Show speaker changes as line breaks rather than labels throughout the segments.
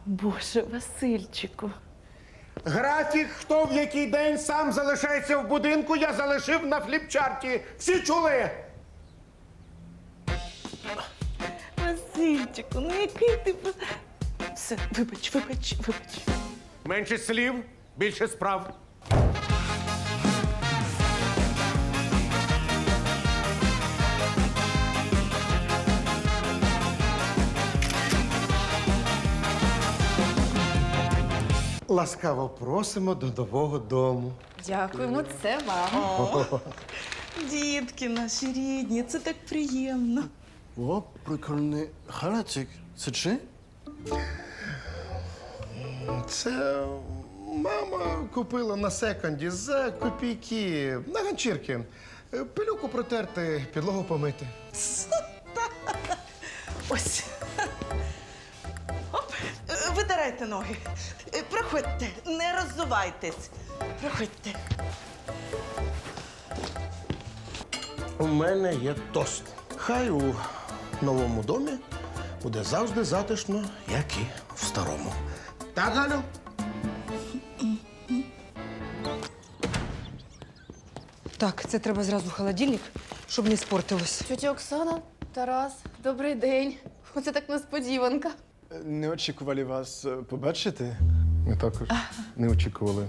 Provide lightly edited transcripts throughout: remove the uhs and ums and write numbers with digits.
Боже, Васильчику.
Графік, хто в який день сам залишається в будинку, я залишив на фліпчарті. Всі чули?
Васильчику, ну який ти... Все, вибач.
Менше слів, більше справ.
Ласкаво просимо до нового дому.
Дякуємо, це вам.
Дітки наші рідні, це так приємно.
О, прикольний халатик. Це чи?
Це мама купила на секонді за копійки на ганчірки. Пилюку протерти, підлогу помити.
Ось. Оп, витирайте ноги. Проходьте, не роззувайтесь. Проходьте.
У мене є тост. Хай у новому домі буде завжди затишно, як і в старому. Так, Галю?
Так, це треба зразу в холодильник, щоб не спортилось.
Тетя Оксана, Тарас, добрий день. Оце так несподіванка.
Не очікували вас побачити.
Ми також не очікували.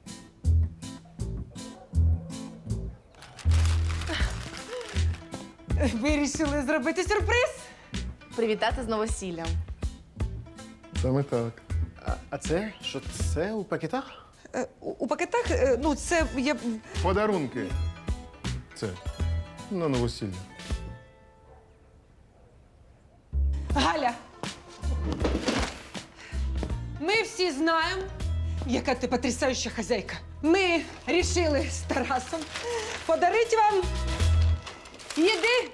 Вирішили зробити сюрприз?
Привітати з новосіллям.
Саме так.
А це? Що це у пакетах?
У пакетах, ну, це є...
Подарунки. Це на новосілля.
Галя! Ми всі знаємо, яка ти потрясаюча хазяйка. Ми рішили з Тарасом подарити вам їди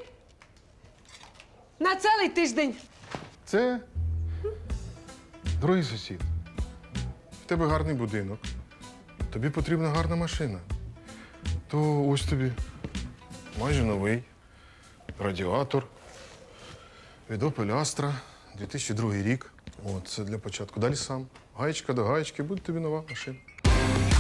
на цілий тиждень.
Це другий сусід. В тебе гарний будинок. Тобі потрібна гарна машина. То ось тобі майже новий радіатор від Opel Astra, 2002 рік. От, це для початку. Далі сам. Гаєчка до гаєчки, буде тобі нова машина.